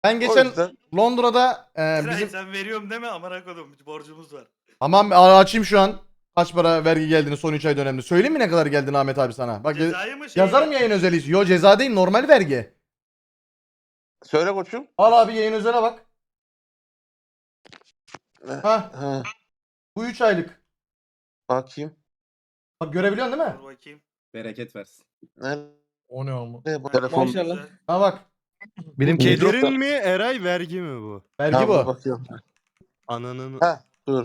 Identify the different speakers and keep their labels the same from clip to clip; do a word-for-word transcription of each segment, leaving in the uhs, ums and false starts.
Speaker 1: Ben
Speaker 2: O
Speaker 1: geçen
Speaker 2: yüzden
Speaker 1: Londra'da e,
Speaker 3: Eray
Speaker 1: bizim...
Speaker 3: sen veriyorum deme amına koydum borcumuz var.
Speaker 1: Tamam açayım şu an. Kaç para vergi geldiğini son üç ay döneminde. Söyleyeyim mi ne kadar geldiğini Ahmet abi sana? Bak
Speaker 3: Cezayı mı şey?
Speaker 1: yazarım yayın özeli. Yo ceza değil, normal vergi.
Speaker 2: söyle koçum.
Speaker 1: Al abi yayın özele bak. Ha
Speaker 2: Ha,
Speaker 1: bu üç aylık.
Speaker 2: bakayım.
Speaker 1: Bak görebiliyorsun değil mi?
Speaker 3: Dur bakayım.
Speaker 4: Bereket versin.
Speaker 2: Nerede
Speaker 5: O ne ama?
Speaker 2: bu telefon?
Speaker 3: Maşallah.
Speaker 1: Ha bak.
Speaker 6: Benim
Speaker 2: Bu-
Speaker 6: Kedirin mi Eray vergi mi bu?
Speaker 1: Vergi
Speaker 2: Ha,
Speaker 1: bu.
Speaker 2: dur bakıyorum.
Speaker 6: Ananın.
Speaker 2: Ha, dur.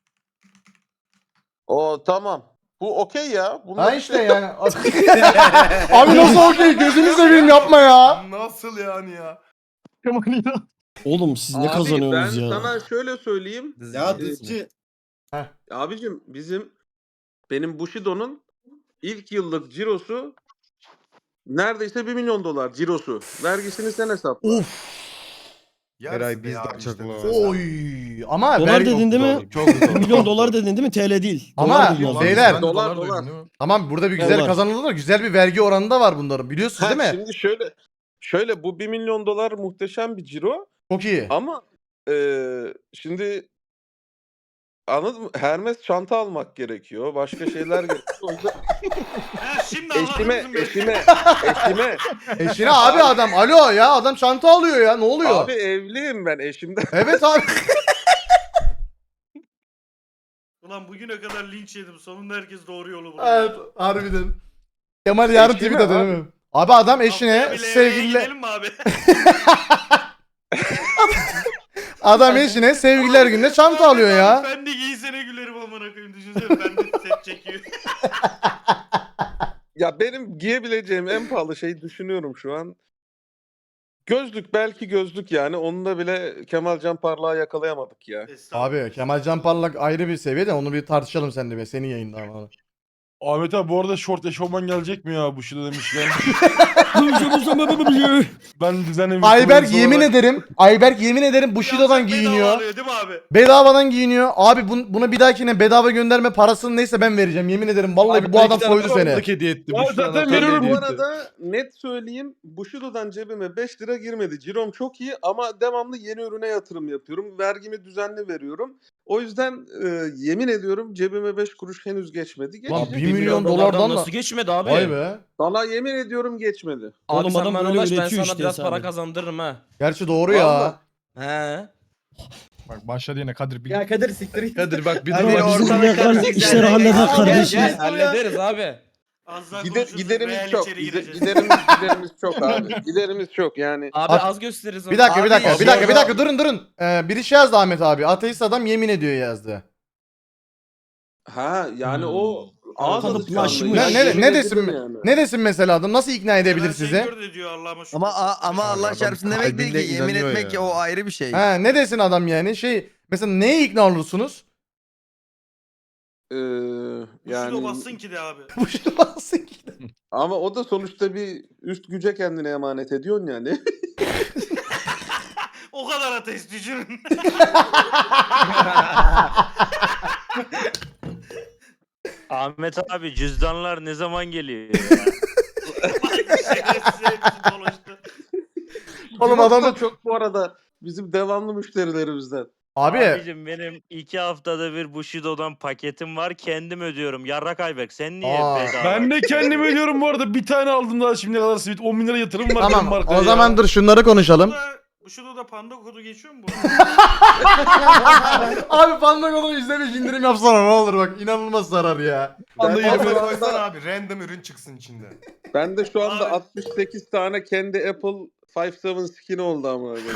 Speaker 2: O tamam. Bu okey ya. Bunlar
Speaker 1: Ha işte yani. Abi nasıl okey? Gözünü seveyim yapma ya.
Speaker 5: Nasıl yani ya?
Speaker 7: Oğlum siz ne
Speaker 2: Abi,
Speaker 7: kazanıyorsunuz
Speaker 2: ben
Speaker 7: ya?
Speaker 2: sana şöyle söyleyeyim.
Speaker 4: Ya
Speaker 2: Ee,
Speaker 4: dizci.
Speaker 2: Abicim bizim benim Bushido'nun ilk yıllık cirosu neredeyse bir milyon dolar cirosu. Vergisini sen hesapla.
Speaker 1: Of.
Speaker 5: Yarısı
Speaker 6: Eray
Speaker 5: be
Speaker 6: biz de
Speaker 5: abi
Speaker 6: açak
Speaker 5: işte.
Speaker 6: lan.
Speaker 1: Oy. Ama
Speaker 7: Dolar
Speaker 1: vergi...
Speaker 7: dedin değil mi?
Speaker 6: Çok zor.
Speaker 7: Milyon dolar dedin değil mi? T L değil.
Speaker 1: Ama
Speaker 7: Dolar dedin az önce.
Speaker 1: beyler-
Speaker 5: Ben
Speaker 2: Dolar,
Speaker 5: duydum,
Speaker 2: dolar.
Speaker 5: değil mi?
Speaker 1: Tamam burada bir güzel
Speaker 7: Dolar.
Speaker 1: kazanıldı da güzel bir vergi oranı da var bunların. Biliyorsunuz
Speaker 2: Ha,
Speaker 1: değil mi?
Speaker 2: şimdi şöyle şöyle bu bir milyon dolar muhteşem bir ciro
Speaker 1: Çok iyi.
Speaker 2: ama eee, şimdi anladın mı? Hermes çanta almak gerekiyor. Başka şeyler gerekiyor. O yüzden
Speaker 3: Ha şimdi
Speaker 2: eşime,
Speaker 3: anladın mı?
Speaker 2: eşime, eşime.
Speaker 1: Eşine abi adam. Alo ya adam çanta alıyor ya. Ne oluyor?
Speaker 2: Abi evliyim ben eşimden.
Speaker 1: Evet abi.
Speaker 3: Ulan bugüne kadar linç yedim. Sonunda herkes doğru yolu buldu.
Speaker 1: Evet harbiden. Kemal yarın
Speaker 2: Eşine
Speaker 1: tweet atıyor
Speaker 2: abi.
Speaker 1: değil mi? Abi adam
Speaker 3: Haftaya
Speaker 1: eşine
Speaker 3: bile eve
Speaker 1: sevgililer...
Speaker 3: gidelim mi abi?
Speaker 1: Adam eşine sevgililer gününe çanta alıyor ya.
Speaker 3: Ben de giysene gülerim amına koyayım. Düşünsene ben de set çekiyor.
Speaker 2: Ya benim giyebileceğim en pahalı şeyi düşünüyorum şu an. Gözlük, belki gözlük yani. Onunla bile Kemal Can Parlak'ı yakalayamadık ya.
Speaker 3: Estağfurullah.
Speaker 1: Abi Kemal Can Parlak ayrı bir seviyede onu bir tartışalım seninle be. Senin yayında ama.
Speaker 5: Ahmet abi bu arada short eşofman gelecek mi ya bu şurada demişler. Ben düzenli bir
Speaker 1: Ayberk
Speaker 5: kuruluş
Speaker 1: yemin
Speaker 5: olarak-
Speaker 1: ederim. Ayberk yemin ederim Bushido'dan
Speaker 3: Yazık bedava
Speaker 1: giyiniyor.
Speaker 3: alıyor değil mi abi?
Speaker 1: Bedavadan giyiniyor. Abi bun- buna bir dahakine bedava gönderme parasını neyse ben vereceğim. Yemin ederim vallahi
Speaker 5: Abi
Speaker 1: bu adam
Speaker 5: iki tane
Speaker 1: soydu seni.
Speaker 6: Aldık hediye etti.
Speaker 5: Ya
Speaker 6: Bu şu
Speaker 5: zaten
Speaker 6: an
Speaker 5: veriyorum
Speaker 6: hediye
Speaker 2: Bu
Speaker 6: etti.
Speaker 2: arada net söyleyeyim, Bushido'dan cebime beş lira girmedi. Cirom çok iyi ama devamlı yeni ürüne yatırım yapıyorum. Vergimi düzenli veriyorum. O yüzden e, yemin ediyorum cebime beş kuruş henüz geçmedi.
Speaker 1: Lan
Speaker 2: Geçecek.
Speaker 1: bir milyon dolardan da.
Speaker 8: nasıl geçmedi abi?
Speaker 1: Vay be.
Speaker 2: Sana yemin ediyorum geçmedi.
Speaker 8: Abi
Speaker 7: Oğlum
Speaker 8: sen
Speaker 7: adam
Speaker 8: bana
Speaker 7: böyle
Speaker 8: ulaş ben
Speaker 7: üretiyor
Speaker 8: sana
Speaker 7: işte
Speaker 8: biraz para
Speaker 7: hesabı.
Speaker 8: kazandırırım ha.
Speaker 1: Gerçi doğru ya.
Speaker 2: Vallahi.
Speaker 8: He.
Speaker 5: Bak başladı yine Kadir bir.
Speaker 4: Ya Kadir siktir git.
Speaker 6: Kadir bak bir
Speaker 7: Hadi
Speaker 6: dur bak.
Speaker 7: bizim yakar işleri halleder
Speaker 8: Gel
Speaker 7: kardeşim.
Speaker 8: gel hallederiz abi.
Speaker 3: Az daha
Speaker 2: Gider,
Speaker 3: konuşuruz,
Speaker 2: giderimiz
Speaker 3: real
Speaker 2: çok.
Speaker 3: içeri
Speaker 2: Gide-
Speaker 3: gireceğiz.
Speaker 2: giderimiz, giderimiz çok abi. Giderimiz çok yani.
Speaker 8: Abi
Speaker 1: At-
Speaker 8: az gösteririz.
Speaker 1: Bir dakika bir
Speaker 8: Abi,
Speaker 1: dakika
Speaker 8: ya
Speaker 1: bir
Speaker 8: bu
Speaker 1: dakika bir
Speaker 8: arada-
Speaker 1: dakika durun durun. Ee, biri şey yazdı Ahmet abi. Ateist adam yemin ediyor yazdı.
Speaker 2: Ha yani o
Speaker 7: Hmm.
Speaker 2: ağız
Speaker 7: Kalıplaşmış.
Speaker 2: alışkanlığı.
Speaker 1: Ne,
Speaker 2: Ya,
Speaker 1: ne,
Speaker 2: yemin
Speaker 1: ne desin
Speaker 2: ederim yani.
Speaker 1: ne desin mesela adam nasıl ikna edebilir
Speaker 3: Kemal
Speaker 1: sizi?
Speaker 3: Şengör de diyor Allah'ıma şükür.
Speaker 9: Ama ama Allah
Speaker 6: Adam
Speaker 9: çarpsın demek değil ki.
Speaker 6: kalbiyle
Speaker 9: Yemin
Speaker 6: inanıyor
Speaker 9: etmek
Speaker 6: ya.
Speaker 9: o ayrı bir şey.
Speaker 1: Ha ne desin adam yani şey mesela neye ikna olursunuz?
Speaker 2: Ee,
Speaker 3: Yani...
Speaker 2: yani
Speaker 3: bassın ki de abi.
Speaker 1: Bu şey nasıl ikna?
Speaker 2: ama o da sonuçta bir üst güce kendine emanet ediyorsun yani.
Speaker 3: O kadar ateist düşünün.
Speaker 10: Ahmet abi cüzdanlar ne zaman geliyor?
Speaker 3: Şerefsiz hepsi dolaştı.
Speaker 1: Oğlum
Speaker 2: Cirox da
Speaker 1: adam
Speaker 2: çok bu arada bizim devamlı müşterilerimizden.
Speaker 1: abi
Speaker 10: Abicim benim iki haftada bir Bushido'dan paketim var kendim ödüyorum. Yarrak Ayberk sen niye
Speaker 1: Aa,
Speaker 10: bedava?
Speaker 5: Ben de kendim ödüyorum bu arada. Bir tane aldım daha şimdiye kadar simit. on bin lira yatırım var benim
Speaker 1: tamam
Speaker 5: markaya
Speaker 1: o zaman
Speaker 5: ya.
Speaker 1: dur şunları konuşalım.
Speaker 3: Bu şurada da panda kodu geçiyor mu bu?
Speaker 1: Abi panda kodunu izlemiş indirim yapsana ne olur bak inanılmaz zarar ya.
Speaker 2: Ben de,
Speaker 5: Panda
Speaker 2: şu
Speaker 5: yirmi
Speaker 2: anda,
Speaker 5: abi random ürün çıksın içinde.
Speaker 2: ben de şu anda
Speaker 3: Abi.
Speaker 2: altmış sekiz tane kendi Apple Five Seven skin oldu ama öyle.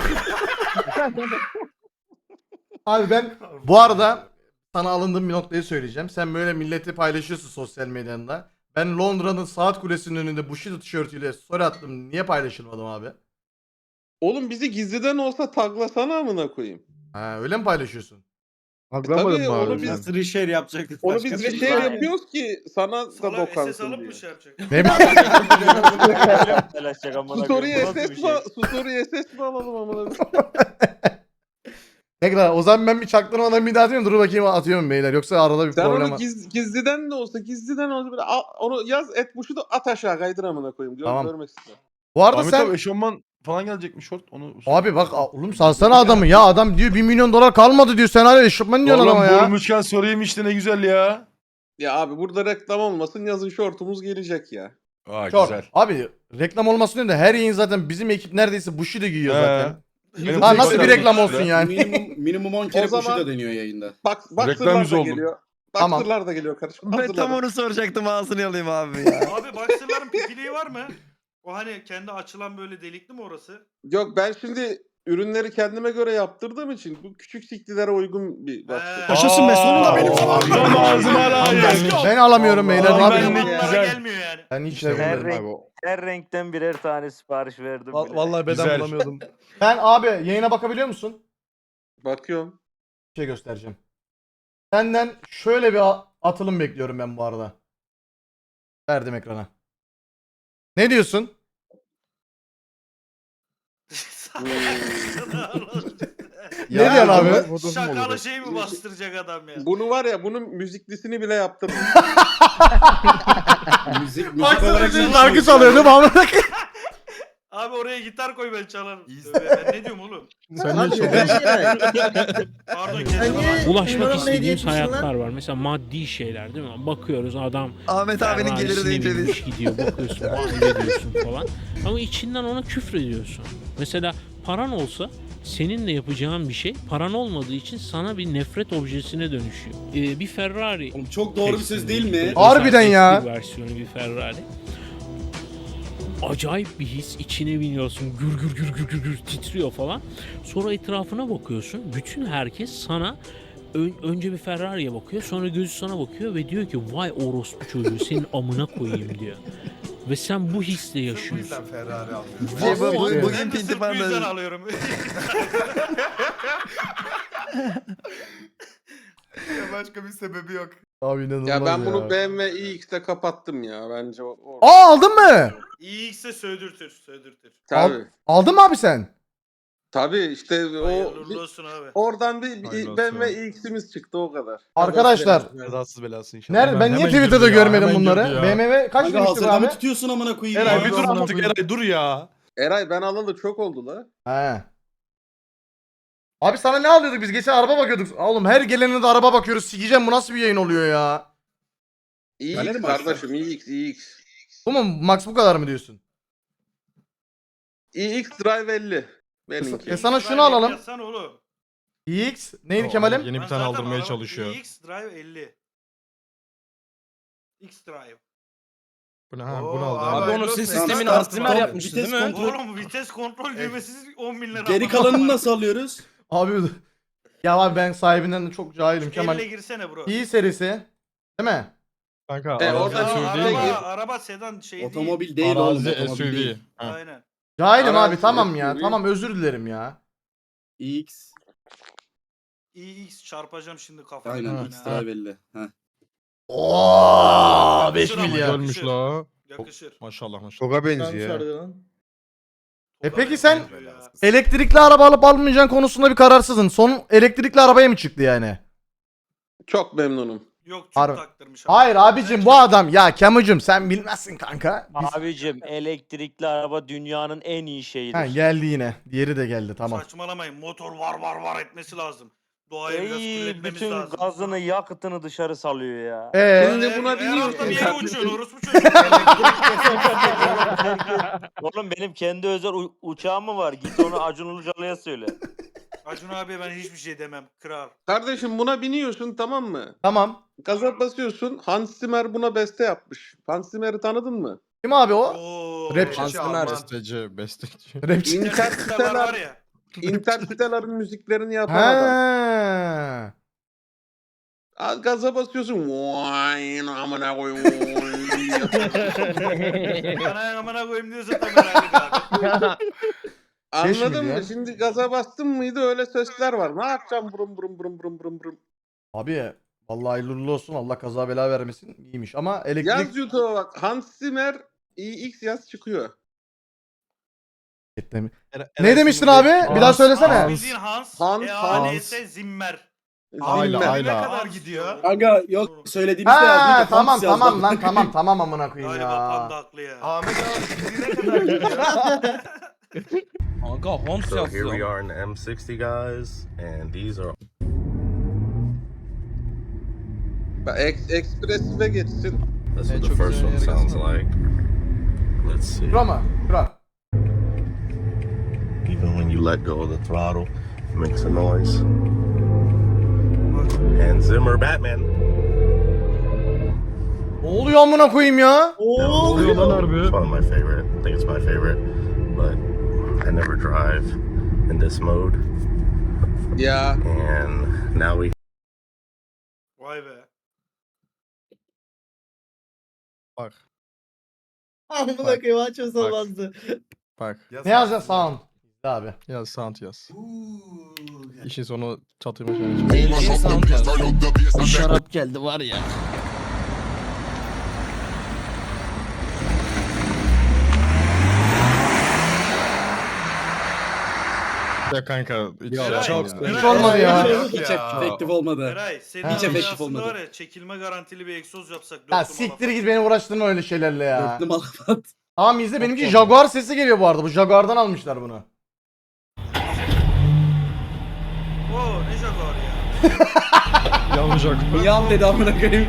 Speaker 1: Abi ben bu arada sana alındığım bir noktayı söyleyeceğim. Sen böyle milleti paylaşıyorsun sosyal medyanda. Ben Londra'nın saat kulesinin önünde Bushido tişörtüyle story attım. Niye paylaşılmadım abi?
Speaker 2: Oğlum bizi gizliden olsa taglasana amına koyayım.
Speaker 1: Ha öyle mi paylaşıyorsun?
Speaker 6: Haklamadın
Speaker 2: Tabii,
Speaker 6: mı
Speaker 2: onu
Speaker 6: abi?
Speaker 2: biz-
Speaker 6: sen?
Speaker 4: Nasıl share yapacaktık?
Speaker 2: Onu
Speaker 4: başka
Speaker 2: biz
Speaker 4: bir
Speaker 2: bir
Speaker 4: şey
Speaker 2: şey
Speaker 4: yok.
Speaker 2: yapıyoruz ki sana da
Speaker 3: Salak S S
Speaker 2: dokansın
Speaker 3: alıp
Speaker 2: diye.
Speaker 3: mı şey yapacak?
Speaker 1: Ne
Speaker 10: Paylaşacak amına
Speaker 2: Story
Speaker 10: koyayım. Bu nasıl
Speaker 2: S
Speaker 10: bir
Speaker 2: S
Speaker 10: şey?
Speaker 2: mi? Story S S mi alalım amına koyayım?
Speaker 1: Ne kadar? O zaman ben bir çaktırmadan bir daha atıyorum. Dur bakayım atıyorum beyler. Yoksa arada bir
Speaker 2: Sen
Speaker 1: problem
Speaker 2: onu
Speaker 1: var.
Speaker 2: giz, gizliden de olsa gizliden olsa böyle al- onu yaz et buşu da at aşağı kaydır amına koyayım. Gör,
Speaker 1: Tamam.
Speaker 2: Görmek istiyorum.
Speaker 1: Bu arada
Speaker 5: Ahmet
Speaker 1: sen
Speaker 5: abi eşofman falan gelecekmiş short. Onu
Speaker 1: Abi bak a- oğlum salsana adamı ya. Adam diyor bir milyon dolar kalmadı diyor. Sen hala eşofman diyorsun
Speaker 5: Oğlum
Speaker 1: adama ya.
Speaker 5: bulmuşken sorayım işte ne güzel ya.
Speaker 2: Ya abi burada reklam olmasın yazın şortumuz gelecek ya.
Speaker 5: Aa
Speaker 1: Çok.
Speaker 5: güzel.
Speaker 1: Abi reklam olmasın diyor da her yayın zaten bizim ekip neredeyse Bushido giyiyor
Speaker 5: He.
Speaker 1: zaten.
Speaker 5: Benim
Speaker 1: Ha, nasıl
Speaker 5: tek-
Speaker 1: bir reklam olsun yani?
Speaker 4: Minimum, minimum on kere
Speaker 2: O zaman-
Speaker 4: Bushido deniyor yayında.
Speaker 2: Bak
Speaker 5: Reklam
Speaker 2: Boxer'lar
Speaker 5: yüzü
Speaker 2: da
Speaker 5: oldum.
Speaker 2: geliyor.
Speaker 1: Tamam.
Speaker 2: Boxer'lar da geliyor kardeşim.
Speaker 9: Ben tam
Speaker 2: Hazırlanın.
Speaker 9: onu soracaktım ağzını alayım abi ya.
Speaker 3: Abi boxer'ların pipiliği var mı? O hani kendi açılan böyle delikli mi orası?
Speaker 2: Yok ben şimdi ürünleri kendime göre yaptırdığım için bu küçük siklilere uygun bir
Speaker 3: He.
Speaker 2: boxer.
Speaker 7: Yaşasın be, sonunda benim
Speaker 5: zamanım.
Speaker 7: zamanım.
Speaker 5: Tam ağzıma layık.
Speaker 1: Ben alamıyorum beyler.
Speaker 5: Allah
Speaker 1: Ne
Speaker 5: Allah.
Speaker 1: yapayım?
Speaker 5: Ben-
Speaker 3: Onlara
Speaker 5: Güzel.
Speaker 3: gelmiyor yani.
Speaker 1: Ben hiç
Speaker 10: Her
Speaker 1: sevmiyorum
Speaker 10: renk,
Speaker 1: abi. o.
Speaker 10: her renkten birer tane sipariş verdim bile.
Speaker 6: Vallahi beden
Speaker 5: Güzel.
Speaker 6: bulamıyordum.
Speaker 1: Sen abi yayına bakabiliyor musun?
Speaker 2: Bakıyorum.
Speaker 1: Bir şey göstereceğim. Senden şöyle bir a- atılım bekliyorum ben bu arada. Verdim ekrana. Ne diyorsun? Ne diyorsun abi?
Speaker 3: Şakalı şey mi bastıracak adam ya?
Speaker 2: Bunu var ya bunun müziklisini bile yaptırdım.
Speaker 4: Müzik, müzik
Speaker 1: Baksana
Speaker 4: olarak
Speaker 1: şimdi
Speaker 4: ne
Speaker 1: şarkı
Speaker 4: yapıyorsun?
Speaker 1: çalıyor değil mi amına koyayım?
Speaker 3: Abi oraya gitar koy ben çalarım. Tövbe, ben ne diyorum oğlum?
Speaker 6: Sen ne çok
Speaker 3: Pardon kendime bak.
Speaker 11: Ulaşmak istediğimiz hayatlar var. Mesela maddi şeyler değil mi? Bakıyoruz adam
Speaker 9: Ahmet abinin geliri
Speaker 11: Ferrari'sine
Speaker 9: deyince
Speaker 11: binmiş
Speaker 9: biz.
Speaker 11: gidiyor, bakıyorsun, ediyorsun falan. Ama içinden ona küfrediyorsun. Mesela paran olsa senin de yapacağın bir şey paran olmadığı için sana bir nefret objesine dönüşüyor. Ee, bir Ferrari.
Speaker 4: Oğlum çok doğru bir söz değil mi?
Speaker 11: Özel
Speaker 1: Harbiden ya.
Speaker 11: eski versiyonu bir Ferrari. Acayip bir his, içine biniyorsun, gür gür gür gür gür, gür titriyor falan. Sonra etrafına bakıyorsun, bütün herkes sana ön- önce bir Ferrari'ye bakıyor, sonra gözü sana bakıyor ve diyor ki vay orospu çocuğu senin amına koyayım diyor. Ve sen bu hisle yaşıyorsun.
Speaker 9: Şey, bu- bu-
Speaker 3: Ben
Speaker 9: bugün
Speaker 3: de
Speaker 9: pinti
Speaker 3: sırf bu yüzden
Speaker 9: panda.
Speaker 3: alıyorum.
Speaker 6: Başka bir sebebi yok.
Speaker 1: Abi inanılmaz
Speaker 2: Ya ben bunu
Speaker 1: ya.
Speaker 2: B M W iX'te kapattım ya bence. O, o-
Speaker 1: Aa aldın mı?
Speaker 3: İyiyse sövdürtür, sövdürtür.
Speaker 2: Tabii.
Speaker 1: Aldın mı abi sen?
Speaker 2: Tabii işte o
Speaker 3: Hayırlı olsun abi.
Speaker 2: oradan bir, bir
Speaker 6: Hayırlı
Speaker 2: B
Speaker 6: olsun.
Speaker 2: M W iX'imiz çıktı o kadar.
Speaker 1: Arkadaşlar.
Speaker 6: Kazasız belasın inşallah.
Speaker 1: Nerede? Ben niye Twitter'da görmedim bunları? B M W kaç
Speaker 4: Kanka
Speaker 1: demiştik
Speaker 4: hazırda
Speaker 1: abi?
Speaker 4: mı tutuyorsun amına koyayım?
Speaker 5: Eray
Speaker 4: ya?
Speaker 5: bir dur
Speaker 6: Amına
Speaker 5: artık
Speaker 6: koyayım.
Speaker 5: Eray dur ya.
Speaker 2: Eray ben alalı çok oldu la.
Speaker 1: He. Abi sana ne alıyorduk biz? Geçen araba bakıyorduk. Oğlum her gelene de araba bakıyoruz. Sikeceğim bu nasıl bir yayın oluyor ya?
Speaker 4: Galeri
Speaker 2: iX
Speaker 4: mi
Speaker 2: kardeşim iX iX.
Speaker 1: Bu mu? Max bu kadar mı diyorsun?
Speaker 2: iX Drive elli. Benimki.
Speaker 1: E sana şunu alalım.
Speaker 3: Yazsana oğlum.
Speaker 1: X neydi
Speaker 6: O,
Speaker 1: Kemal'im?
Speaker 6: Yeni
Speaker 3: Ben
Speaker 6: bir tane
Speaker 3: zaten
Speaker 6: aldırmaya
Speaker 3: araba-
Speaker 6: çalışıyor.
Speaker 3: X Drive elli. X Drive.
Speaker 6: Bu ne ha?
Speaker 3: Oo,
Speaker 6: Bunu aldı.
Speaker 3: abi.
Speaker 8: Abi onu
Speaker 3: Hayırlı
Speaker 8: siz
Speaker 3: olsun.
Speaker 8: sistemin
Speaker 4: Tamam,
Speaker 8: Alzheimer
Speaker 4: tamam.
Speaker 8: yapmıştı
Speaker 4: Vites
Speaker 8: değil mi?
Speaker 4: kontrol-
Speaker 3: Oğlum vites kontrol düğmesiz on bin lira.
Speaker 4: Geri kalanını nasıl alıyoruz?
Speaker 1: Abi ya abi ben sahibinden de çok cahilim Kemal.
Speaker 3: Elle girsene bro.
Speaker 1: İyi serisi. Değil mi?
Speaker 6: Kanka
Speaker 2: E,
Speaker 6: arazi
Speaker 2: orada
Speaker 3: Ya,
Speaker 6: S U V
Speaker 3: araba,
Speaker 6: değil mi?
Speaker 3: araba sedan şey değil.
Speaker 4: Otomobil değil oğlum.
Speaker 6: Arazi S U
Speaker 4: Otomobil
Speaker 6: V.
Speaker 4: değil.
Speaker 6: Ha.
Speaker 3: Aynen.
Speaker 1: Cahilim
Speaker 2: Arazi
Speaker 1: abi tamam ya.
Speaker 2: S U V.
Speaker 1: Tamam özür dilerim ya.
Speaker 4: X.
Speaker 3: X çarpacağım şimdi kafaya.
Speaker 4: Aynen
Speaker 3: Yani.
Speaker 4: X Drive elli. Heh.
Speaker 1: Oo beş
Speaker 3: Yakışır ama
Speaker 1: milyar.
Speaker 3: ya.
Speaker 6: Ölmüş la.
Speaker 3: Yakışır.
Speaker 6: Maşallah maşallah.
Speaker 9: Toga benziyor.
Speaker 1: E peki sen
Speaker 3: Ya.
Speaker 1: elektrikli araba alıp almayacağın konusunda bir kararsızın. Son elektrikli arabaya mı çıktı yani?
Speaker 2: Çok memnunum.
Speaker 3: Yok çok
Speaker 1: Harbi.
Speaker 3: taktırmış. ama.
Speaker 1: Hayır abicim bu adam ya Kemucum sen bilmezsin kanka. Biz...
Speaker 10: Abicim elektrikli araba dünyanın en iyi şeyidir.
Speaker 1: Ha, geldi yine. Diğeri de geldi tamam.
Speaker 3: Saçmalamayın. Motor var var var etmesi lazım. Doğayı biraz
Speaker 10: Ey,
Speaker 3: kirletmemiz
Speaker 10: bütün
Speaker 3: lazım.
Speaker 10: gazını yakıtını dışarı salıyor ya.
Speaker 1: Ee,
Speaker 2: Şimdi
Speaker 3: Her-
Speaker 2: buna
Speaker 3: her
Speaker 2: biniyor.
Speaker 3: hafta bir yere uçuyorsun orospu çocuğu.
Speaker 10: Oğlum benim kendi özel u- uçağım mı var? Git onu Acun Ilıcalı'ya söyle.
Speaker 3: Acun abi ben hiçbir şey demem. Kral.
Speaker 2: Kardeşim buna biniyorsun tamam mı?
Speaker 1: tamam.
Speaker 2: Gaza basıyorsun. Hans Zimmer buna beste yapmış. Hans Zimmer'i tanıdın mı?
Speaker 1: Kim abi o?
Speaker 3: Oo.
Speaker 1: Rapçi.
Speaker 3: Hans
Speaker 8: Zimmer.
Speaker 6: Besteci, besteci.
Speaker 1: Rapçi.
Speaker 3: Interstellar var ya.
Speaker 2: Interstellar'ın müziklerini yapan adam.
Speaker 1: Ha.
Speaker 2: Aa, Gaza basıyorsun. Vay amına koyayım.
Speaker 3: Bana amına koyayım diyorsa tam herhalde abi.
Speaker 2: Anladın
Speaker 1: milyar.
Speaker 2: mı? Şimdi gaza bastın mıydı öyle sesler var. Ne yapacağım burum burum burum burum burum burum.
Speaker 1: Abi vallahi hayırlı uğurlu olsun. Allah kaza bela vermesin. İyiymiş ama elektrik
Speaker 2: Yaz YouTube'a bak. Hans Zimmer iX yaz çıkıyor.
Speaker 1: Ne demiştin abi? Bir daha söylesene.
Speaker 3: Bildiğin Hans.
Speaker 2: Hans,
Speaker 3: E
Speaker 2: Hans.
Speaker 3: A N S Zimmer.
Speaker 6: Ayla,
Speaker 2: Zimmer.
Speaker 6: ayla.
Speaker 3: Ne kadar gidiyor?
Speaker 4: Kanka yok söylediğimizde yazdık.
Speaker 1: Ha
Speaker 4: ya,
Speaker 1: tamam
Speaker 4: Hans yazdı.
Speaker 1: tamam lan tamam tamam amına koyayım
Speaker 3: Galiba
Speaker 1: ya.
Speaker 3: panda haklı ya.
Speaker 6: Ahmet abi ne kadar gidiyor?
Speaker 8: Kanka Homs
Speaker 12: So here we
Speaker 8: yazıyor.
Speaker 12: are in the M sixty, guys, and these are
Speaker 2: Bak, Ex Express'e geçsin.
Speaker 12: this is what the first one sounds like. Let's see.
Speaker 1: Şura mı? Şura.
Speaker 12: Even when you let go of the throttle, it makes a noise. Hans Zimmer, Batman.
Speaker 1: Ne oluyor amına koyayım ya?
Speaker 6: Oluyor lan harbi.
Speaker 12: It's one of my favorite. I think it's my favorite, but I never drive in this mode.
Speaker 2: Ya.
Speaker 12: And now we
Speaker 3: Vay be.
Speaker 6: Bak
Speaker 4: Amına
Speaker 6: Bak.
Speaker 4: koyayım aç olmazdı.
Speaker 6: bak.
Speaker 1: Ne yazacaksın sound? İzle abi.
Speaker 6: Yaz sound yaz. İşin sonu çatıyma şöyle.
Speaker 8: Eğlenceli sound yazıyor.
Speaker 7: Bir şarap geldi var ya.
Speaker 6: Ya kanka hiç
Speaker 3: Ya,
Speaker 6: şey
Speaker 3: çok
Speaker 6: yapmadım ya.
Speaker 1: Hiç olmadı ya.
Speaker 4: Hiç efektif olmadı.
Speaker 3: Eray senin
Speaker 1: Hiç
Speaker 3: Hiç
Speaker 4: efektif
Speaker 3: aslında
Speaker 4: olmadı.
Speaker 3: var ya çekilme garantili bir egzoz yapsak.
Speaker 1: Ya
Speaker 3: dörtlü
Speaker 1: siktir
Speaker 3: malafat.
Speaker 1: git beni uğraştırma öyle şeylerle ya.
Speaker 4: Dörtlü malafat.
Speaker 1: Tamam izle benimki Jaguar sesi geliyor bu arada. Bu Jaguar'dan almışlar bunu.
Speaker 3: Oo ne Jaguar ya.
Speaker 6: Yanacak.
Speaker 4: Yan dedi amına koyayım.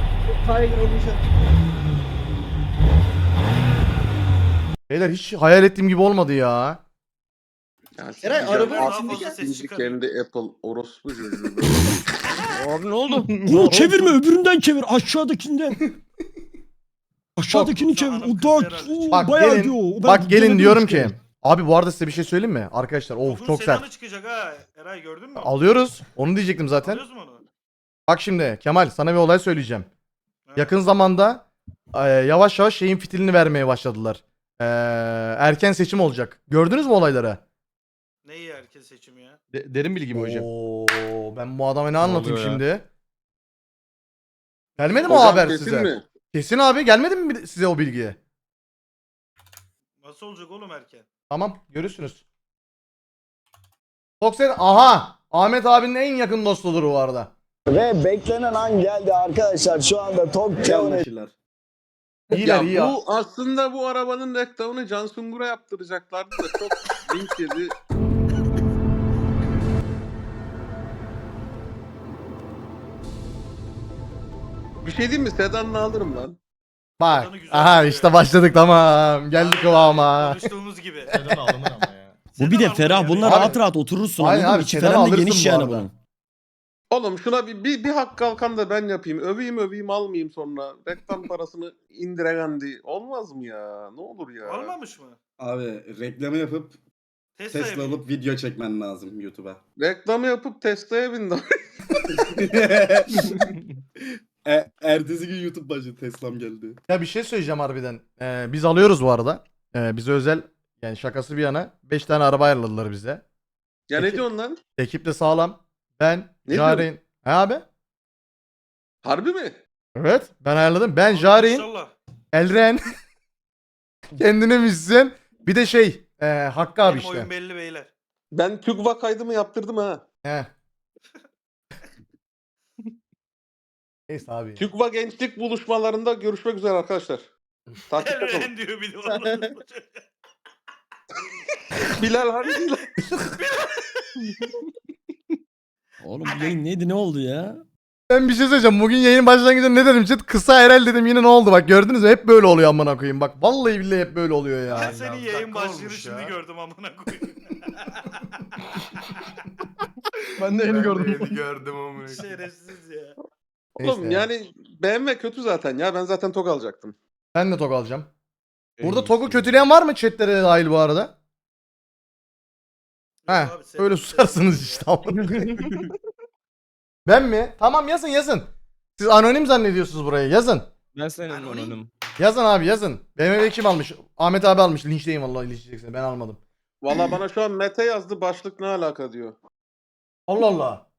Speaker 1: Beyler hiç hayal ettiğim gibi olmadı ya.
Speaker 2: Ya
Speaker 4: Eray,
Speaker 2: sikeceğim.
Speaker 4: arabanın
Speaker 3: Daha
Speaker 2: Artık
Speaker 3: fazla ses
Speaker 2: ikinci
Speaker 3: çıkarıyor.
Speaker 2: kendi Apple orospu çocuğu.
Speaker 8: Abi ne oldu?
Speaker 7: Bunu çevirme öbüründen çevir aşağıdakinden. Aşağıdakini çevir.
Speaker 3: Hanım
Speaker 7: O
Speaker 3: kız
Speaker 7: daha
Speaker 3: herhalde.
Speaker 7: o
Speaker 1: Bak
Speaker 7: bayağı
Speaker 1: gelin,
Speaker 7: diyor. O ben
Speaker 1: Bak gelin
Speaker 7: denedim
Speaker 1: diyorum
Speaker 7: işte.
Speaker 1: ki. Abi bu arada size bir şey söyleyeyim mi? Arkadaşlar of
Speaker 3: Bugün
Speaker 1: çok
Speaker 3: sedanı
Speaker 1: sert.
Speaker 3: çıkacak ha. Eray gördün mü?
Speaker 1: Alıyoruz. Onu diyecektim zaten.
Speaker 3: Alıyoruz mu onu?
Speaker 1: Bak şimdi Kemal sana bir olay söyleyeceğim.
Speaker 3: Ha.
Speaker 1: Yakın zamanda e, yavaş yavaş şeyin fitilini vermeye başladılar. E, erken seçim olacak. Gördünüz mü olayları?
Speaker 3: Neyi erken seçim ya?
Speaker 6: derin bilgi mi hocam?
Speaker 1: Oo, ben bu adama ne anlatayım
Speaker 6: oluyor ya?
Speaker 1: şimdi? Gelmedi mi o
Speaker 2: Hocam
Speaker 1: haber
Speaker 2: kesin
Speaker 1: size?
Speaker 2: mi?
Speaker 1: Kesin abi gelmedi mi size o bilgi?
Speaker 3: Nasıl olacak oğlum erken?
Speaker 1: Tamam görürsünüz. Foxen aha Ahmet abinin en yakın dostudur bu arada.
Speaker 7: Ve beklenen an geldi arkadaşlar. Şu anda Tok
Speaker 4: Yanlışlar.
Speaker 1: İyiler
Speaker 2: Ya
Speaker 1: iyi ya.
Speaker 2: bu aslında bu arabanın reklamını Can Sungur'a yaptıracaklardı da çok link yedi. Bir şey diyeyim mi? Sedan'ını alırım lan.
Speaker 1: Bak
Speaker 3: Adamı güzel
Speaker 1: aha
Speaker 3: söylüyor.
Speaker 1: işte başladık tamam. Geldik
Speaker 3: Aynen,
Speaker 1: kıvama.
Speaker 3: Konuştuğumuz gibi.
Speaker 6: Neden alınır ama ya.
Speaker 7: Bu bir de
Speaker 3: Sedan
Speaker 7: ferah.
Speaker 3: alınır
Speaker 7: Bunlar
Speaker 1: Abi-
Speaker 7: rahat rahat oturursun.
Speaker 1: Aynen
Speaker 7: anladın mı?
Speaker 1: abi,
Speaker 7: İçi
Speaker 1: sedan
Speaker 7: falan da
Speaker 1: alırsın
Speaker 7: geniş
Speaker 1: bu
Speaker 7: yani
Speaker 1: arada.
Speaker 7: bunun.
Speaker 2: Oğlum şuna bir, bir, bir hak kalkan da ben yapayım. Öveyim öveyim almayayım sonra. Reklam parasını indiregandi. Olmaz mı ya? Ne olur ya?
Speaker 3: Olmamış mı?
Speaker 4: Abi reklamı yapıp
Speaker 3: Tesla'ya
Speaker 4: Tesla
Speaker 3: bin.
Speaker 4: alıp video çekmen lazım YouTube'a.
Speaker 2: Reklamı yapıp Tesla'ya bindim.
Speaker 4: e, ertesi gün YouTube başladı Tesla'm geldi.
Speaker 1: Ya bir şey söyleyeceğim harbiden. Ee, biz alıyoruz bu arada. Ee, bize özel yani şakası bir yana beş tane araba ayarladılar bize.
Speaker 2: Ya ne
Speaker 1: Peki.
Speaker 2: diyorsun lan?
Speaker 1: Ekip de sağlam. Ben,
Speaker 2: Ne
Speaker 1: Jaren. He abi?
Speaker 2: Harbi mi?
Speaker 1: Evet ben ayarladım. Ben, Jaren,
Speaker 3: İnşallah.
Speaker 1: Elren. Kendine müzisyen. Bir de şey e, Hakkı abi
Speaker 3: Benim oyun
Speaker 1: işte.
Speaker 3: belli beyler.
Speaker 2: Ben TÜGVA kaydımı yaptırdım ha.
Speaker 1: He. Neyse abi.
Speaker 2: TÜGVA gençlik buluşmalarında görüşmek üzere arkadaşlar. Takipte kalın.
Speaker 3: Elren diyor bir de onu.
Speaker 2: Bilal hani Bilal.
Speaker 7: Oğlum bu yayın neydi ne oldu ya?
Speaker 1: Ben bir şey söyleyeceğim. Bugün yayın başlangıcında ne dedim chat? Kısa herhal dedim yine ne oldu bak gördünüz mü? Hep böyle oluyor amına koyayım. Bak vallahi billahi hep böyle oluyor ya.
Speaker 3: Ben senin
Speaker 6: ya,
Speaker 3: yayın
Speaker 6: dakika
Speaker 3: başlığını
Speaker 6: olmuş
Speaker 3: şimdi
Speaker 6: ya.
Speaker 3: gördüm amına koyayım.
Speaker 6: Ben de yeni gördüm.
Speaker 3: gördüm amına Şerefsiz ya.
Speaker 2: Oğlum
Speaker 1: Neyse.
Speaker 2: yani B M W kötü zaten ya. Ben zaten TOG alacaktım.
Speaker 1: Ben de TOG alacağım. Burada TOG'u kötüleyen var mı chatlere de dahil bu arada? He,
Speaker 3: Yok abi, sen-
Speaker 1: öyle susarsınız işte. Ben mi? Tamam yazın yazın. Siz anonim zannediyorsunuz burayı. Yazın.
Speaker 8: Ben senin
Speaker 3: Anonim.
Speaker 8: anonim.
Speaker 1: Yazın abi yazın. B M W kim almış? Ahmet abi almış. Linçleyin vallahi linçleyeceksin. Ben almadım.
Speaker 2: Valla bana şu an Mete yazdı. Başlık ne alaka diyor.
Speaker 1: Allah Allah.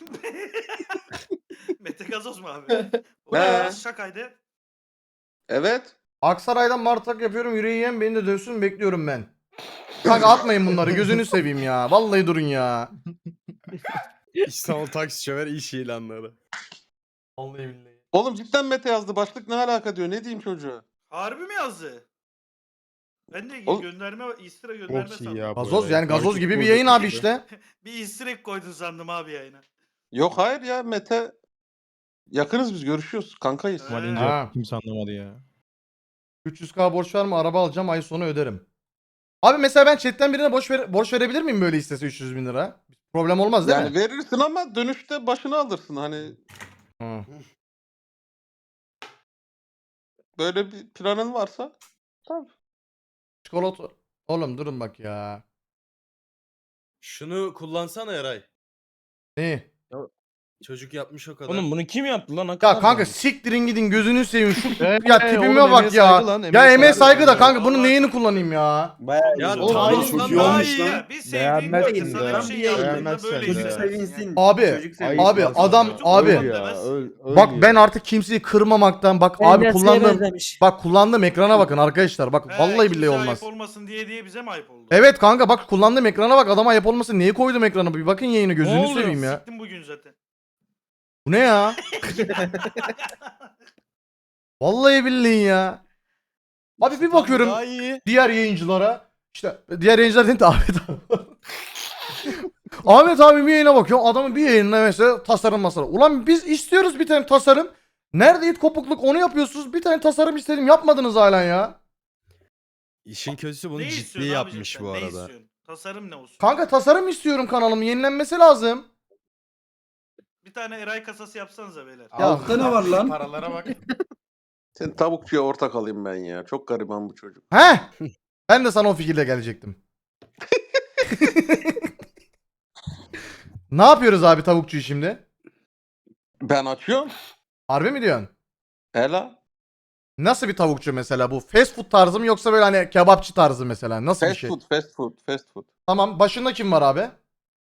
Speaker 3: Mete Gazoz mu abi? O ne ya? Şakaydı.
Speaker 2: Evet.
Speaker 1: Aksaray'dan martak yapıyorum. Yüreği yiyen beni de dövsün bekliyorum ben. Kanka atmayın bunları. Gözünü seveyim ya. Vallahi durun ya.
Speaker 6: İstanbul taksi şoför iş ilanları.
Speaker 1: Vallahi billahi.
Speaker 2: Oğlum cidden Mete yazdı. Başlık ne alaka diyor. Ne diyeyim çocuğa?
Speaker 3: Harbi mi yazdı? Ben de
Speaker 2: Oğlum-
Speaker 3: gönderme, istere gönderme
Speaker 6: Çok iyi
Speaker 3: sandım.
Speaker 6: ya. bu
Speaker 1: Gazoz
Speaker 6: arada.
Speaker 1: yani gazoz
Speaker 6: Takip
Speaker 1: gibi bir
Speaker 6: burada.
Speaker 1: yayın abi işte.
Speaker 3: Bir istirek koydun sandım abi yayına.
Speaker 2: Yok hayır ya Mete. Yakınız biz görüşüyoruz. Kankayız.
Speaker 3: Ha.
Speaker 6: Valince
Speaker 1: Ha.
Speaker 6: kimse anlamadı ya.
Speaker 1: üç yüz k borç var mı? Araba alacağım, ay sonu öderim. Abi mesela ben chatten birine borç, ver borç verebilir miyim böyle istese üç yüz bin lira? Problem olmaz değil
Speaker 2: Yani
Speaker 1: mi?
Speaker 2: verirsin ama dönüşte başını alırsın. Hani
Speaker 1: Hı.
Speaker 2: böyle bir planın varsa. Tabii.
Speaker 1: Çikolata. Oğlum durun bak ya.
Speaker 9: Şunu kullansana Eray.
Speaker 1: Ne?
Speaker 9: Çocuk yapmış o kadar.
Speaker 8: Oğlum bunu kim yaptı lan?
Speaker 1: Ya kanka siktirin gidin gözünü seveyim şu
Speaker 6: Ee,
Speaker 1: ya
Speaker 6: oğlum,
Speaker 1: tipime bak
Speaker 6: emeğe
Speaker 1: ya.
Speaker 6: saygı lan,
Speaker 1: Ya
Speaker 6: emeğe
Speaker 1: emeğe
Speaker 6: saygı.
Speaker 1: saygı da kanka bunun
Speaker 3: Allah-
Speaker 1: neyini kullanayım ya?
Speaker 7: Bayağı
Speaker 2: Ya
Speaker 7: güzel.
Speaker 2: oğlum,
Speaker 4: Oğlum,
Speaker 2: çok
Speaker 4: çok
Speaker 2: iyi
Speaker 4: iyi
Speaker 2: olmuş
Speaker 4: olmuş
Speaker 2: lan.
Speaker 4: lan.
Speaker 3: Bir sevdiğin
Speaker 6: Beğenmezsin
Speaker 3: böyle sana
Speaker 6: de.
Speaker 3: bir şey yaptığında
Speaker 6: Beğenmezsen
Speaker 3: böyle
Speaker 6: de.
Speaker 3: hissedersin.
Speaker 1: Abi
Speaker 6: Ayıp
Speaker 1: abi
Speaker 6: lan
Speaker 1: adam
Speaker 6: sana.
Speaker 1: abi
Speaker 6: Öl ya, öl- öl
Speaker 1: bak
Speaker 6: ya.
Speaker 1: ben artık kimseyi kırmamaktan bak abi kullandığım bak kullandığım ekrana bakın arkadaşlar bak
Speaker 3: He,
Speaker 1: vallahi
Speaker 3: kimse
Speaker 1: billahi olmaz.
Speaker 3: ayıp olmasın diye diye bize mi ayıp oldu?
Speaker 1: Evet kanka bak kullandığım ekrana bak adama ayıp olmasın niye koydum ekranı bir bakın yayını gözünü
Speaker 3: oluyor?
Speaker 1: seveyim ya.
Speaker 3: Siktim bugün zaten.
Speaker 1: Bu ne ya? Vallahi billahi ya. Abi bir bakıyorum
Speaker 9: Daha iyi.
Speaker 1: diğer yayıncılara işte diğer yayıncılar değil de Ahmet abi. Ahmet abi bir yayına bakıyor adamın bir yayınına mesela tasarım masarım. Ulan biz istiyoruz bir tane tasarım. Nerede it kopukluk onu yapıyorsunuz bir tane tasarım istedim yapmadınız hala ya.
Speaker 9: İşin kötüsü bunu
Speaker 3: Ne
Speaker 9: ciddi
Speaker 3: istiyorsun abicim
Speaker 9: yapmış
Speaker 3: sen?
Speaker 9: bu
Speaker 3: Ne
Speaker 9: arada.
Speaker 3: istiyorsun? Tasarım ne olsun?
Speaker 1: Kanka tasarım istiyorum kanalımın yenilenmesi lazım.
Speaker 3: Bir tane Eray kasası yapsanıza beyler.
Speaker 1: Ya
Speaker 4: Altta ne var lan?
Speaker 6: Paralara bak.
Speaker 2: Sen tavukçuya ortak alayım ben ya. Çok gariban bu çocuk.
Speaker 1: He? Ben de sana o fikirle gelecektim. Ne yapıyoruz abi tavukçuyu şimdi?
Speaker 2: Ben açıyorum.
Speaker 1: Harbi mi diyorsun?
Speaker 2: Ela.
Speaker 1: Nasıl bir tavukçu mesela bu? Fast food tarzı mı yoksa böyle hani kebapçı tarzı mesela? Nasıl bir
Speaker 2: Fast
Speaker 1: şey?
Speaker 2: food, fast food, fast food.
Speaker 1: Tamam başında kim var abi?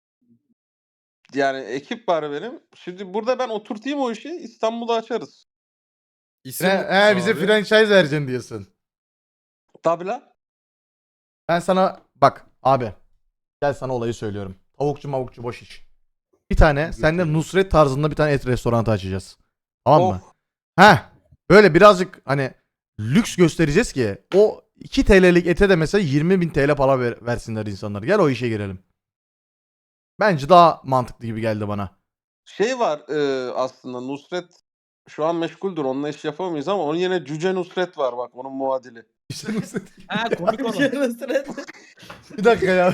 Speaker 2: Yani ekip var benim. Şimdi burada ben oturtayım o işi. İstanbul'da açarız.
Speaker 9: İsim
Speaker 1: He, he bize
Speaker 9: abi.
Speaker 1: franchise vereceksin diyorsun.
Speaker 2: Tabii lan.
Speaker 1: Ben sana bak abi. Gel sana olayı söylüyorum. Tavukçu mavukçu boş iş. Bir tane sende Nusret tarzında bir tane et restoranı açacağız. Tamam mı?
Speaker 2: Oh.
Speaker 1: Heh. Böyle birazcık hani lüks göstereceğiz ki o iki T L'lik ete de mesela yirmi bin T L para ver, versinler insanlar. Gel o işe girelim. Bence daha mantıklı gibi geldi bana.
Speaker 2: Şey var e, aslında Nusret şu an meşguldür. Onunla iş yapamayız ama onun yine Cüce Nusret var bak onun muadili.
Speaker 1: İşte Nusret.
Speaker 8: Ha komik olan.
Speaker 1: Bir dakika ya.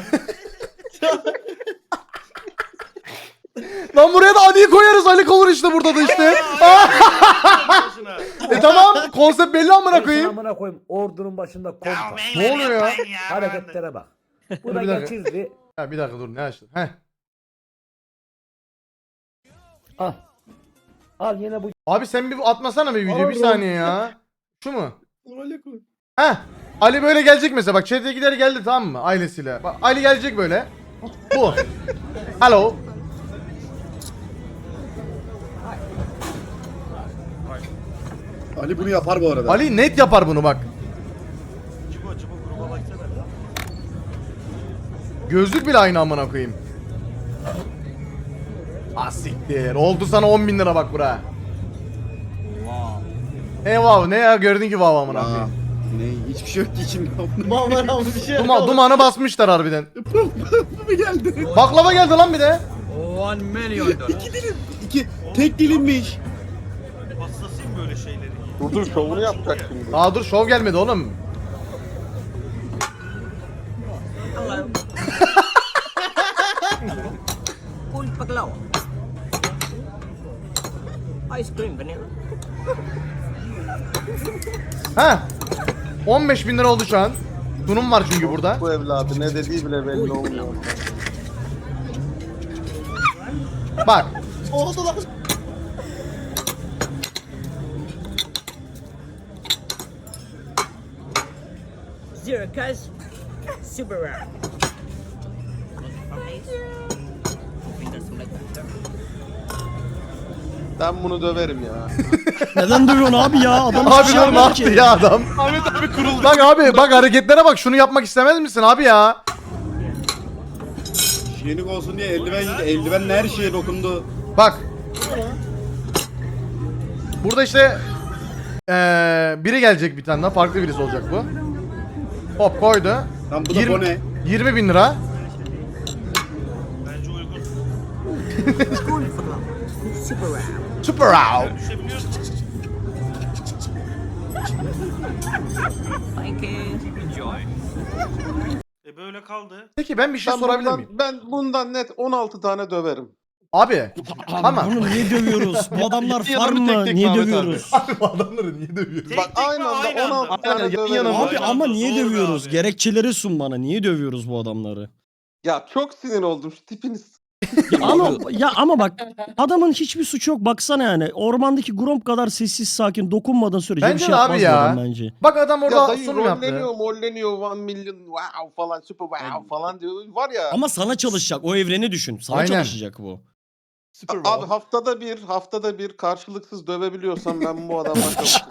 Speaker 1: Lan buraya da Ali'yi koyarız. Ali olur işte burada da işte.
Speaker 3: Başına.
Speaker 1: e tamam konsept belli amına koyayım.
Speaker 7: Amına koyayım ordunun başında
Speaker 3: Ya
Speaker 7: komutan.
Speaker 3: beyler
Speaker 1: Ne oluyor ya?
Speaker 3: yapmayın ya.
Speaker 7: Hareketlere bak. Bu
Speaker 1: Dur
Speaker 7: da
Speaker 1: bir dakika.
Speaker 7: geçirdi.
Speaker 1: Ya bir dakika dur ne açtın? Heh.
Speaker 7: Al. Al yine bu.
Speaker 1: Abi sen bir atmasana bir video bir
Speaker 7: Oğlum.
Speaker 1: saniye ya. Şu mu? Heh. Ali böyle gelecek mesela bak chat'e gider geldi tamam mı ailesiyle. Bak Ali gelecek böyle. Bu. Hello.
Speaker 4: Ali bunu yapar bu arada.
Speaker 1: Ali net yapar bunu bak.
Speaker 3: Cibo cibo gruba baksana.
Speaker 1: Gözlük bile aynı amına koyayım. Ah siktir. Oldu sana on bin lira bak bura. E wow ne ya gördün ki wow amına
Speaker 4: Aa,
Speaker 1: koyayım.
Speaker 4: ne hiçbir şey yok ki içimde.
Speaker 1: Duma, dumanı basmışlar harbiden.
Speaker 4: Bu geldi.
Speaker 1: Baklava geldi lan bir de.
Speaker 8: one milyon dolar.
Speaker 4: İki tek dilimmiş.
Speaker 3: Hastasıyım böyle şeyleri.
Speaker 2: Dur dur şovunu yapacak şimdi.
Speaker 1: Daha dur şov gelmedi oğlum.
Speaker 8: Full baklava. Ice cream vanilla.
Speaker 1: Ha. on beş bin lira oldu şu an. Sunum var çünkü burada.
Speaker 2: Bu evladı ne dediği bile belli olmuyor.
Speaker 1: Bak.
Speaker 8: Zero cash. Super rare.
Speaker 2: Ben bunu döverim ya.
Speaker 8: Neden dövüyorsun abi ya? Adam
Speaker 1: Abi dur ne yaptı ya adam?
Speaker 6: Ahmet abi kuruldu.
Speaker 1: Bak abi bak hareketlere bak şunu yapmak istemez misin abi ya?
Speaker 4: Hijyenik olsun diye eldiven yedi. Eldivenle her şeye dokundu.
Speaker 1: Bak. Burada işte eee biri gelecek bir tane daha farklı birisi olacak bu. Hop koydu.
Speaker 4: Lan bu da
Speaker 1: Yirmi-
Speaker 4: bone.
Speaker 1: yirmi bin lira.
Speaker 3: Bence uygun.
Speaker 8: Cool paglaw. Super round.
Speaker 1: Super out.
Speaker 3: Düşebiliyorsun.
Speaker 8: Thank you. Enjoy.
Speaker 3: E böyle kaldı.
Speaker 1: Peki ben bir şey
Speaker 2: Ben
Speaker 1: sorabilir
Speaker 2: bundan,
Speaker 1: miyim?
Speaker 2: ben bundan net on altı tane döverim.
Speaker 1: Abi. Ama
Speaker 6: Bunu niye dövüyoruz? Bu adamlar
Speaker 5: Yan yana
Speaker 6: farm
Speaker 5: mı tek
Speaker 6: mı?
Speaker 5: tek
Speaker 6: Niye
Speaker 5: Mehmet abi?
Speaker 6: dövüyoruz?
Speaker 1: abi bu adamları niye dövüyoruz?
Speaker 3: Tek
Speaker 2: Bak
Speaker 3: tek
Speaker 2: aynı
Speaker 3: mi,
Speaker 2: anda
Speaker 3: aynı
Speaker 2: on altı
Speaker 3: anda?
Speaker 2: tane
Speaker 5: Aynen, yan
Speaker 2: döverim.
Speaker 5: yana mı?
Speaker 6: Abi
Speaker 3: Aynı
Speaker 6: ama
Speaker 3: anda,
Speaker 6: niye
Speaker 3: doğru be
Speaker 6: dövüyoruz?
Speaker 3: abi.
Speaker 6: Gerekçeleri sun bana. Niye dövüyoruz bu adamları?
Speaker 2: Ya çok sinir oldum şu tipiniz.
Speaker 6: Ya ama ya ama bak adamın hiçbir suçu yok. Baksana yani ormandaki Gromp kadar sessiz sakin dokunmadığın sürece
Speaker 1: Bence
Speaker 6: bir şey
Speaker 1: de abi
Speaker 6: yapmaz bu
Speaker 1: ya.
Speaker 6: adam bence.
Speaker 1: Bak adam
Speaker 2: Ya
Speaker 1: orada
Speaker 2: dayı
Speaker 1: sunum yaptı.
Speaker 2: rolleniyor molleniyor one milyon wow falan super wow falan diyor. Var ya.
Speaker 6: Ama sana çalışacak. O evreni düşün. Sana
Speaker 1: Aynen.
Speaker 6: çalışacak bu.
Speaker 2: Abi haftada bir haftada bir karşılıksız dövebiliyorsam ben bu adamla çalışırım.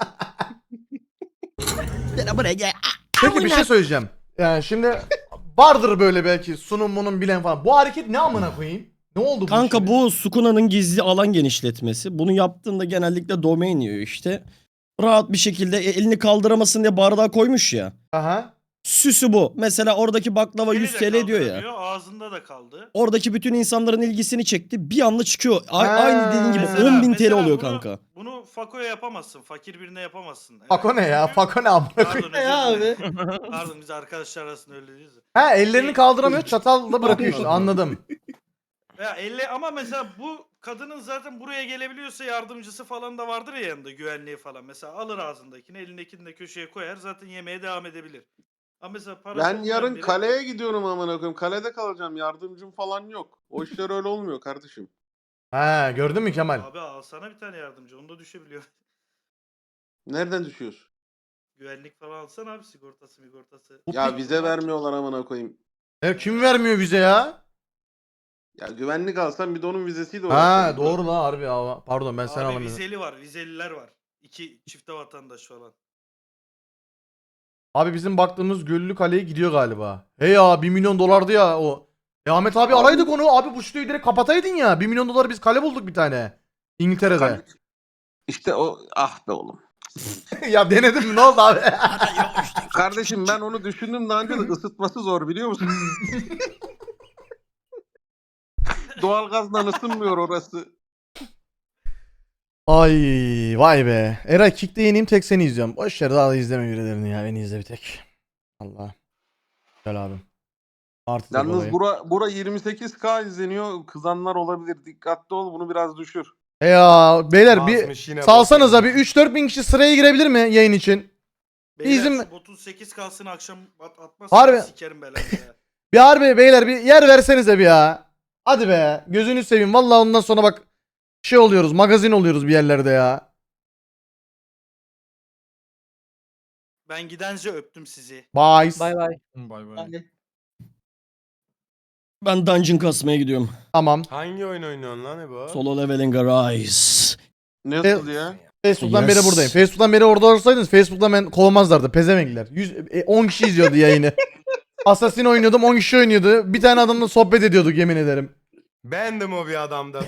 Speaker 1: Peki bir şey söyleyeceğim. Yani şimdi vardır böyle belki sunumunun bilen falan. Bu hareket ne amına koyayım? Ne oldu bu
Speaker 6: Kanka
Speaker 1: şimdi?
Speaker 6: bu Sukuna'nın gizli alan genişletmesi. Bunu yaptığında genellikle domain yiyor işte. Rahat bir şekilde e, elini kaldıramasın diye bardağa koymuş ya.
Speaker 1: Aha.
Speaker 6: Süsü bu. Mesela oradaki baklava
Speaker 3: Eli
Speaker 6: yüz
Speaker 3: de
Speaker 6: T L diyor ya.
Speaker 3: kaldıramıyor, ağzında da kaldı.
Speaker 6: Oradaki bütün insanların ilgisini çekti. Bir anda çıkıyor. A-
Speaker 1: Ha.
Speaker 6: Aynı dediğin gibi
Speaker 3: Mesela-
Speaker 6: on bin T L
Speaker 3: mesela
Speaker 6: oluyor
Speaker 3: bunu-
Speaker 6: kanka.
Speaker 3: Bunu Fako'ya yapamazsın. Fakir birine yapamazsın. Evet.
Speaker 1: Fako ne ya? Fako ne amına
Speaker 3: Pardon,
Speaker 1: koyayım?
Speaker 3: özür dilerim. Pardon biz arkadaşlar arasında öyle değiliz.
Speaker 1: Ha ellerini kaldıramıyor çatalla bırakıyor işte anladım.
Speaker 3: Ya elle ama mesela bu kadının zaten buraya gelebiliyorsa yardımcısı falan da vardır ya yanında güvenliği falan. Mesela alır ağzındakini elindekini de köşeye koyar zaten yemeğe devam edebilir. Ama mesela parası
Speaker 2: Ben
Speaker 3: olmayan
Speaker 2: yarın
Speaker 3: biri-
Speaker 2: kaleye gidiyorum amına koyayım. Kalede kalacağım. Yardımcım falan yok. O işler öyle olmuyor kardeşim.
Speaker 1: Ha gördün mü Kemal?
Speaker 3: Abi alsana bir tane yardımcı onu da düşebiliyor.
Speaker 2: Nereden düşüyorsun?
Speaker 3: Güvenlik falan alsana abi sigortası sigortası.
Speaker 2: Ya vize vermiyorlar amına koyayım.
Speaker 1: E, kim vermiyor bize ya?
Speaker 2: Ya güvenlik alsam bir de onun vizesiyle
Speaker 1: Ha
Speaker 2: uğraşacağım.
Speaker 1: doğru la harbi ya. Pardon ben sen
Speaker 3: Abi
Speaker 1: alamıyorum.
Speaker 3: vizeli var vizeliler var. İki çifte vatandaş falan.
Speaker 1: Abi bizim baktığımız Göllü Kale'ye gidiyor galiba. He ya bir milyon dolardı ya o. E Ahmet abi araydık onu. Abi bu şutuyu direkt kapataydın ya. bir milyon dolar biz kale bulduk bir tane. İngiltere'de.
Speaker 2: Kale- İşte o ah be oğlum.
Speaker 1: ya denedim mi ne oldu abi?
Speaker 2: Kardeşim ben onu düşündüm daha önce de ısıtması zor biliyor musun? Doğalgazla ısınmıyor orası.
Speaker 1: Ay vay be. Eray Kick'te yeniyim tek seni izliyorum. Boş ver daha da izleme birilerini ya. Beni izle bir tek. Allah. Gel abi. Artı tek
Speaker 2: Yalnız
Speaker 1: olayı.
Speaker 2: bura, bura yirmi sekiz K izleniyor. Kızanlar olabilir. Dikkatli ol bunu biraz düşür.
Speaker 1: E ya beyler bir
Speaker 5: Basmış yine
Speaker 1: salsanıza bir üç dört bin kişi sıraya girebilir mi yayın için?
Speaker 3: Beyler
Speaker 1: Bizim-
Speaker 3: şu otuz sekiz kalsın akşam at atmazsan
Speaker 1: Harbi.
Speaker 3: sikerim belanı ya.
Speaker 1: Bir harbi beyler bir yer versenize bir ya. Hadi be. Gözünü seveyim. Vallahi ondan sonra bak şey oluyoruz. Magazin oluyoruz bir yerlerde ya.
Speaker 3: Ben gidence öptüm sizi.
Speaker 1: Bye.
Speaker 6: Bay bay.
Speaker 5: Bay bay.
Speaker 6: Ben dungeon kasmaya gidiyorum.
Speaker 1: Tamam.
Speaker 9: Hangi oyun oynuyorsun lan Ebo?
Speaker 6: Solo leveling arise.
Speaker 2: Nasıl ya?
Speaker 1: Facebook'tan
Speaker 6: Yes.
Speaker 1: beri buradayım. Facebook'tan beri orada olsaydınız Facebook'tan ben kovmazlardı. Pezevenkler. yüz, e, on kişi izliyordu yayını. Assassin oynuyordum on kişi oynuyordu. Bir tane adamla sohbet ediyorduk yemin ederim.
Speaker 5: Bendim o bir adamda.